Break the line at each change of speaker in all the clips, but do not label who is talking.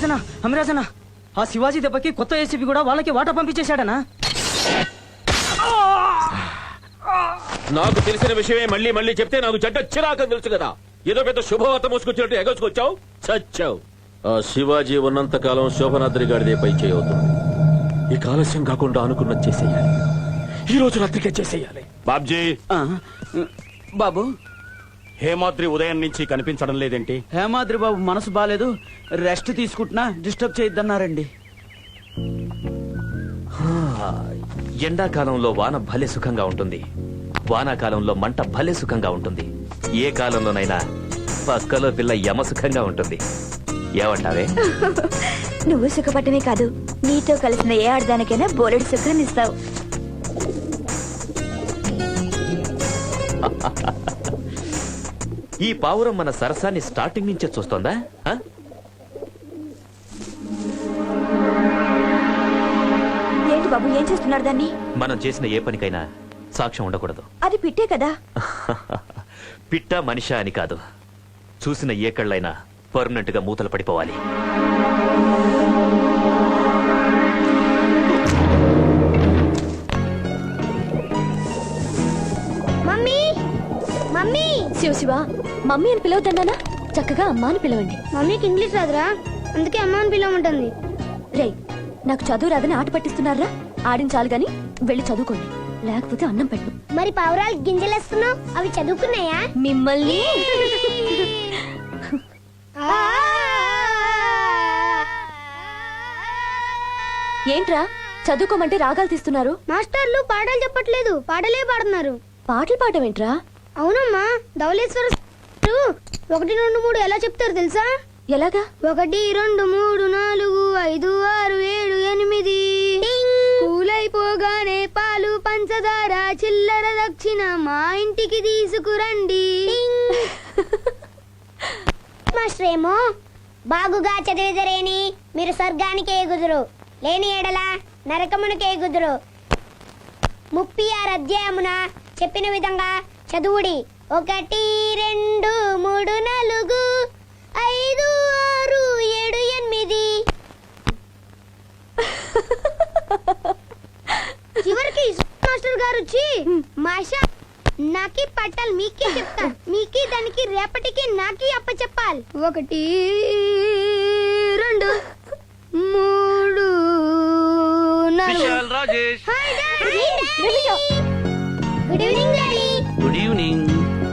అమిరాజనా ఆ శివాజీ దెబ్బకి కొత్త ఏసీపీ కూడా వాళ్ళకి వాటా పంపించేశాడనా?
నాకు తెలిసిన విషయమే మళ్ళీ మళ్ళీ చెప్తే నాకు చెడ్డ చిరాకని తెలుసు కదా. ఏదో పెద్ద శుభవార్త మోసుకొచ్చినట్టు ఎగసుకొచ్చావు, చచ్చావు. ఆ శివాజీ ఉన్నంత కాలం శోభనాద్రి గారిదే పై చేయవుతుంది. ఈ ఆలస్యం కాకుండా అనుకున్నది చేసేయాలి. ఈ రోజు రాత్రికే చేసేయాలి.
బాబ్జీ,
బాబు,
హేమాద్రి ఉదయం నుంచి కనిపించడం లేదేంటి?
హేమాద్రి బాబు మనసు బాలేదు, రెస్ట్ తీసుకుంటున్నా, డిస్టర్బ్ చేయొద్దన్నారండి.
ఎండాకాలంలో వాన భలే సుఖంగా ఉంటుంది, వానాకాలంలో మంట భలే సుఖంగా ఉంటుంది. ఏ కాలంలోనైనా పక్కలో పిల్ల యమ సుఖంగా ఉంటుంది. ఏమంటావే?
నువ్వు సుఖపట్టమే కాదు, నీతో కలిసిన ఏ ఆడదానికైనా బోలెడు సుఖాన్ని ఇస్తావు.
ఈ పావురం మన సరసాన్ని స్టార్టింగ్ నుంచే చూస్తోందా?
ఏంటి బాబు, ఏం చేస్తున్నారు దాన్ని?
మనం చేసిన ఏ పనికైనా సాక్ష్యం ఉండకూడదు.
అది పిట్టే కదా.
పిట్ట మనిషా అని కాదు, చూసిన ఏ కళ్ళైనా పర్మనెంట్ గా మూతలు పడిపోవాలి.
శివ శివ, మమ్మీ అని పిలవద్దన్నానా? చక్కగా అమ్మ అని పిలవండి.
మమ్మీకి ఇంగ్లీష్ రాదురా, అందుకే అమ్మ అని పిలవమంటుంది.
రే, నాకు చదువు రాదని ఆట పట్టిస్తున్నారా? ఆడించాలి గాని వెళ్ళి చదువుకోండి, లేకపోతే అన్నం పెట్టు.
మరి పావురాలు గింజలేస్తున్నావు, అవి చదువుకున్నాయా?
మిమ్మల్ని ఏంట్రా చదువుకోమంటే రాగాలు తీస్తున్నారు?
మాస్టర్లు పాటలు చెప్పట్లేదు, పాటలే పాడుతున్నారు.
పాటలు పాడమేంట్రా?
అవునమ్మా, ధవళేశ్వర 1 2 3 ఎలా చెప్తారు తెలుసా?
ఎలాగా?
1 2 3 4 5 6 7 8 కూలైపోగానే పాలు పంచదార చిల్లర దక్షిణ మా ఇంటికి తీసుకురండి. మాస్టరేమో బాగుగా చదివిదరేని మీరు స్వర్గానికి ఎగుదురు, లేని ఎడల నరకమునికి ఎగుదురు. 36 అధ్యాయమున చెప్పిన విధంగా చదువుడి. 1 2 3 4 5 6 7 8. చివరికి మాస్టర్ గారు వచ్చి మాషా నాకి పట్టాలి మీకే చెప్తా, మీకి దానికి రేపటికి నాకి అప్ప చెప్పాలి. 1 2 3 4.
Rajesh,
hi daddy. Good evening daddy.
Good evening.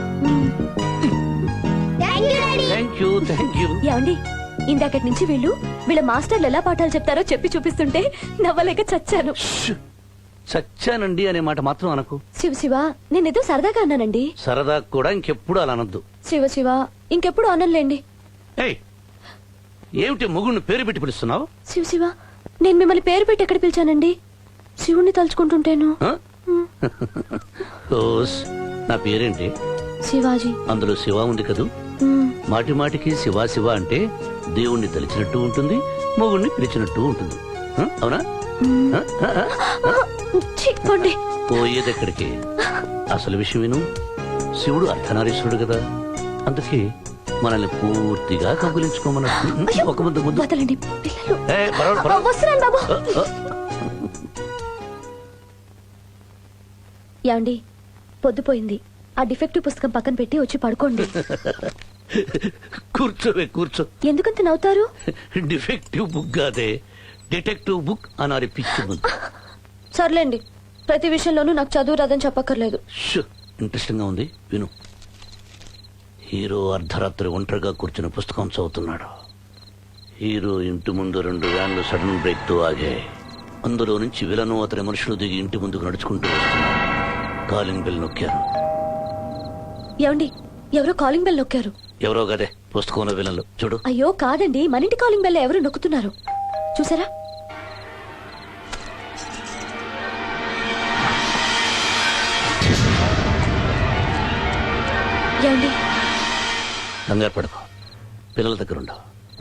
Thank you daddy.
Thank you.
ఏమండి, ఇందాకటి నుంచి వీళ్ళ మాస్టర్లు ఎలా పాఠాలు చెప్తారో చెప్పి చూపిస్తుంటే నవ్వలేక చచ్చాను.
చచ్చానండి అనే మాట మాత్రం అనకు.
శివ శివ, నేనేదో సరదాగా అన్నానండి.
సరదా కూడా ఇంకెప్పుడు అలా అనొద్దు.
శివ శివ, ఇంకెప్పుడు అనలేండి.
ఏయ్, ఏమిటి మొగుడిని పేరు పెట్టి పిలుస్తున్నావు?
శివ శివ, నేను మిమ్మల్ని పేరు పెట్టి ఎక్కడ పిలిచానండి? శివుణ్ణి తలుచుకుంటుంటేను.
ఆ? ఓస్, నా పేరేంటి?
శివాజీ.
అందులో శివ ఉంది కదూ. మాటి మాటికి శివ శివ అంటే దేవుణ్ణి తలిచినట్టు ఉంటుంది, మొగుడిని పిలిచినట్టు ఉంటుంది. అవునా? పోయేదెక్కడికి? అసలు విషయం విను. శివుడు అర్ధనారీశ్వరుడు కదా, అందుకే మనల్ని పూర్తిగా కబులించుకోమన్నట్టు. ఒక ముద్దు ముద్దు.
ఏమండి, పొద్దుపోయింది, ఆ డిఫెక్టివ్ పుస్తకం పక్కన పెట్టి వచ్చి పడుకోండి.
కూర్చోవే, కూర్చో.
ఎందుకంత నవ్వుతారు?
డిఫెక్టివ్ బుక్ కాదే, డిటెక్టివ్ బుక్ అనాలి పిచ్చి ముందు.
సర్లేండి, ప్రతి విషయంలోనూ నాకు చదువు రాదని చెప్పక్కర్లేదు.
ఇంట్రెస్టింగ్ గా ఉంది, విను. హీరో అర్ధరాత్రి ఒంటరిగా కూర్చుని పుస్తకం చదువుతున్నాడు. హీరో ఇంటి ముందు 2 వ్యాన్లు సడన్ బ్రేక్ తో ఆగాయి. అందులో నుంచి విలను అతని మనుషులు దిగి ఇంటి ముందుకు నడుచుకుంటూ వస్తున్నారు. కాలింగ్ బెల్ నొక్కారు.
ఏమండి, ఎవరో కాలింగ్ బెల్ నొక్కారు.
ఎవరో గదే పుస్తకంలో విలన్లు. చూడు.
అయ్యో కాదండి, మన ఇంటి కాలింగ్ బెల్ ఎవరు నొక్కుతున్నారు చూసారా? ఏమండి,
కంగారు పడకు, పిల్లల దగ్గర ఉండవు.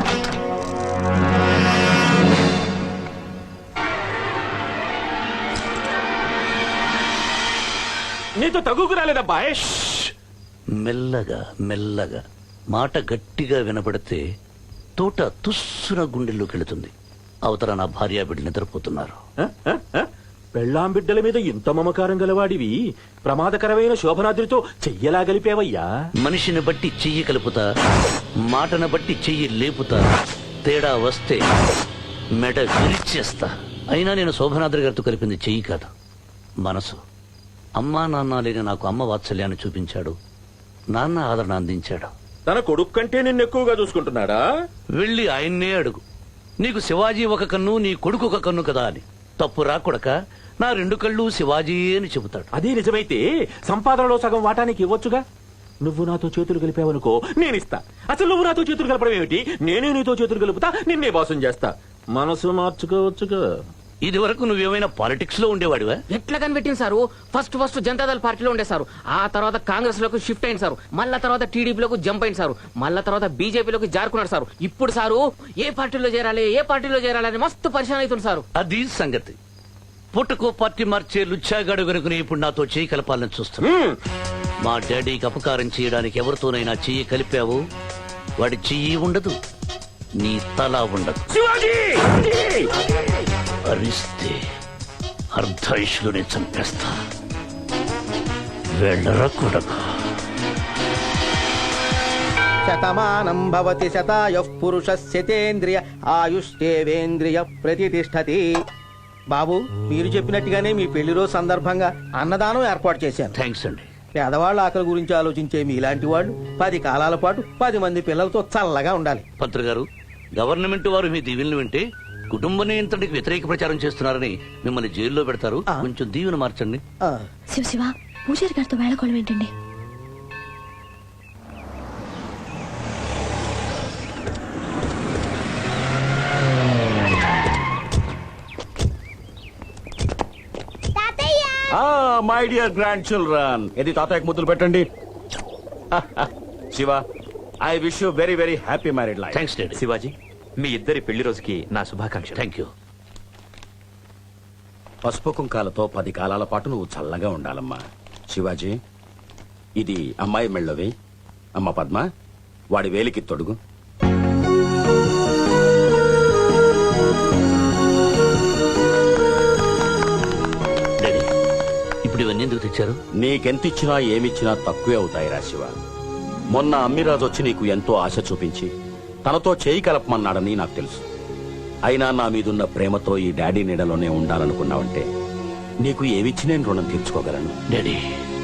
నీతో తగుకు రాలేదబ్బా.
మెల్లగా మెల్లగా మాట గట్టిగా వినపడితే తోట తుస్సున గుండెల్లోకి వెళుతుంది. అవతల నా భార్య బిడ్డ నిద్రపోతున్నారు.
పెళ్ళాం బిడ్డల మీద ఇంత మమకారం గలవాడివి ప్రమాదకరమైన శోభనాద్రితో చెయ్యలా గలిపేవయ్యా.
మనిషిని బట్టి చెయ్యి కలుపుతా, మాటను బట్టి చెయ్యి లేపుతా, తేడా వస్తే మెడ విరిచేస్తా. అయినా నేను శోభనాద్రి గారితో కలిపింది చెయ్యి కాదు, మనసు. అమ్మా నాన్న లేని నాకు అమ్మ వాత్సల్యాన్ని చూపించాడు, నాన్న ఆదరణ అందించాడు.
తన కొడుకు కంటే నిన్ను ఎక్కువగా చూసుకుంటున్నాడా?
వెళ్ళి ఆయన్నే అడుగు, నీకు శివాజీ ఒక కన్ను, నీ కొడుకు ఒక కన్ను కదా అని. తప్పు రాకొడక, నా 2 కళ్ళు శివాజీ అని చెబుతాడు.
అదే నిజమైతే సంపాదనలో సగం వాటానికి ఇవ్వొచ్చుగా. నువ్వు నాతో చేతులు కలిపావనుకో, నేనిస్తా. అసలు నువ్వు నాతో చేతులు కలపడం ఏమిటి? నేనే నీతో చేతులు కలుపుతా, నిన్నే బాసం చేస్తా. మనసు మార్చుకోవచ్చుగా.
ఇది వరకు నువ్వేమైనా పాలిటిక్స్ లో ఉండేవాడివా?
ఎట్లా కనిపెట్టింది సారు? ఫస్ట్ జనతాదళ పార్టీలో ఉండే సారు, ఆ తర్వాత కాంగ్రెస్ లోకి షిఫ్ట్ అయింది సారు, మళ్ళా తర్వాత టీడీపీలోకి జంప్ అయింది సారు, మళ్ళా తర్వాత బీజేపీలోకి జారుకున్నాడు సారు. ఇప్పుడు సారు ఏ పార్టీలో చేరాలి అని మస్తు పరిశాన్ అవుతుంది సారు.
అది సంగతి. పుట్టుకో పార్టీ మార్చే లుచ్చాగాడు గనుకుని ఇప్పుడు నాతో చెయ్యి కలపాలని చూస్తున్నా. మా డాడీకి అపకారం చేయడానికి ఎవరితోనైనా చెయ్యి కలిపావు, వాడి చెయ్యి ఉండదు, నీ తల ఉండదు. అరిస్తే అర్ధాయుషులోనే చంపేస్తా. వెళ్ళరా కొడకా.
శతమానం భవతి శతాయుః పురుషస్యతేంద్రియ ఆయుష్ేవేంద్రియ ప్రతిష్టతి. బాబు, మీరు చెప్పినట్టుగానే మీ పెళ్లి రోజు సందర్భంగా అన్నదానం ఏర్పాటు చేశాను.
థ్యాంక్స్ అండి.
పేదవాళ్ళ ఆకలి గురించి ఆలోచించే మీలాంటి వాళ్ళు 10 కాలాల పాటు 10 మంది పిల్లలతో చల్లగా ఉండాలి.
పంత్రి గారు, గవర్నమెంట్ వారు మీ దీవెనలు వింటే కుటుంబ నియంత్రణకి వ్యతిరేక ప్రచారం చేస్తున్నారని మిమ్మల్ని జైల్లో పెడతారు. కొంచెం దీవెన మార్చండి.
ఆ,
శివ పూజారి గారితో వేళకోళం ఏంటండి?
తాతయ్య
మై డియర్ గ్రాండ్ చిల్డ్రన్, ఇది తాతయ్యకు ముద్దులు పెట్టండి. Shiva, I wish you very very happy married life.
Thanks daddy.
Shivaji, మీ ఇద్దరి పెళ్లి రోజుకి నా శుభాకాంక్షలు.
Thank you.
పసుపు కుంకాలతో 10 కాలాల పాటు నువ్వు చల్లగా ఉండాలమ్మా. శివాజీ, ఇది అమ్మాయి మెళ్ళవి. అమ్మ పద్మ, వాడి వేలికి తొడుగు.
డాడీ, ఇప్పుడు ఇవన్నీ ఎందుకు తెచ్చారు?
నీకెంతిచ్చినా ఏమిచ్చినా తక్కువే అవుతాయిరా శివ. మొన్న అమ్మిరాజు వచ్చి నీకు ఎంతో ఆశ చూపించి తనతో చేయి కలపమన్నాడని నాకు తెలుసు. అయినా నా మీదున్న ప్రేమతో ఈ డాడీ నీడలోనే ఉండాలనుకున్నావంటే నీకు ఏమిచ్చి నేను రుణం తీర్చుకోగలను.
డాడీ,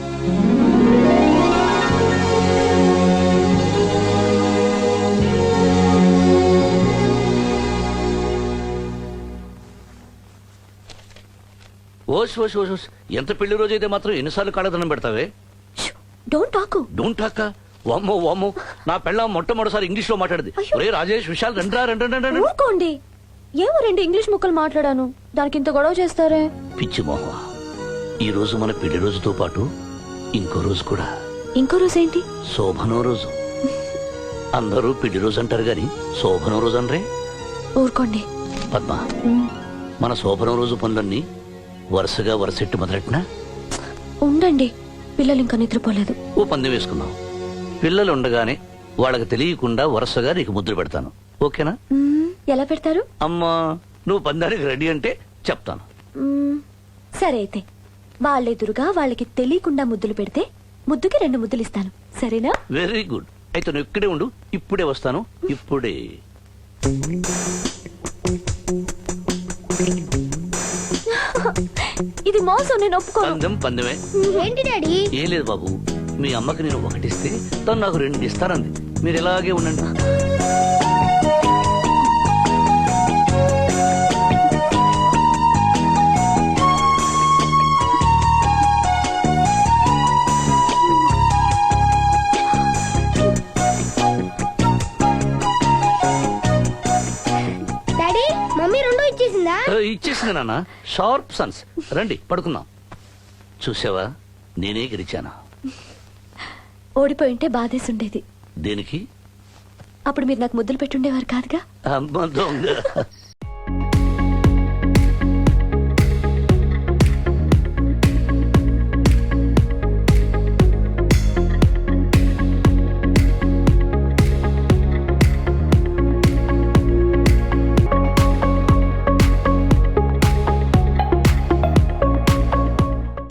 ఓష్ ఓష్ ఓష్ ఓష్. ఎంత పెళ్లి రోజు అయితే మాత్రం ఎన్నిసార్లు కాళ్ళదనం పెడతావే?
Don't talk.
Don't talk. వామ్మో వామ్మో, నా పెళ్ళ మొట్టమొదటిసారి ఇంగ్లీష్ లో మాట్లాడింది.
అయ్యో.
ఒరే రాజేష్, విశాల్, రండి.
ఊరుకోండి. ఏమో 2 ఇంగ్లీష్ ముక్కలు మాట్లాడాను, దానికి ఇంత గొడవ చేస్తారే?
పిచ్చి మోహ, ఈ రోజు మన పెళ్లి రోజుతో పాటు ఇంకో రోజు కూడా.
ఇంకో రోజు ఏంటి?
శోభనం రోజు. అందరూ పెళ్లి రోజు అంటారు గాని శోభనం రోజు అనరే.
ఊరుకోండి.
పద్మ, మన శోభనం రోజు పనులన్నీ వరుసగా వరుసెట్టు మొదలెట్టినా?
ఉండండి, పిల్లలు ఇంకా నిద్రపోలేదు.
ఓ పందెం వేసుకుందాం. పిల్లలు ఉండగానే వాళ్ళకి తెలియకుండా వరుసగా నీకు ముద్ర పెడతాను, ఓకేనా?
ఎలా పెడతారు?
అమ్మా, నువ్వు పందానికి రెడీ అంటే చెప్తాను.
సరే అయితే, వాళ్ళెదురుగా వాళ్ళకి తెలియకుండా ముద్దులు పెడితే ముద్దుకి 2 ముద్దులు ఇస్తాను, సరేనా?
Very good. అయితే నువ్వు ఇక్కడే ఉండు, ఇప్పుడే వస్తాను. ఇప్పుడే.
ఇది మోసం, నేను ఒప్పుకోను.
పందెమే.
ఏంటి డాడీ?
ఏం లేదు బాబు, మీ అమ్మకి నేను 1 ఇస్తే తను నాకు 2 ఇస్తానంది. మీరు ఇలాగే ఉండండి.
డాడీ, మమ్మీ 2 ఇచ్చేసిందా?
ఇచ్చేసింది నాన్న. Sharp sons. రండి పడుకుందాం. చూసావా, నేనే గెలిచాను.
ఓడిపోయింటే బాధేసి ఉండేది.
దేనికి?
అప్పుడు మీరు నాకు ముద్దులు పెట్టుండేవారు కాదుగా.
అమ్మ దొంగ.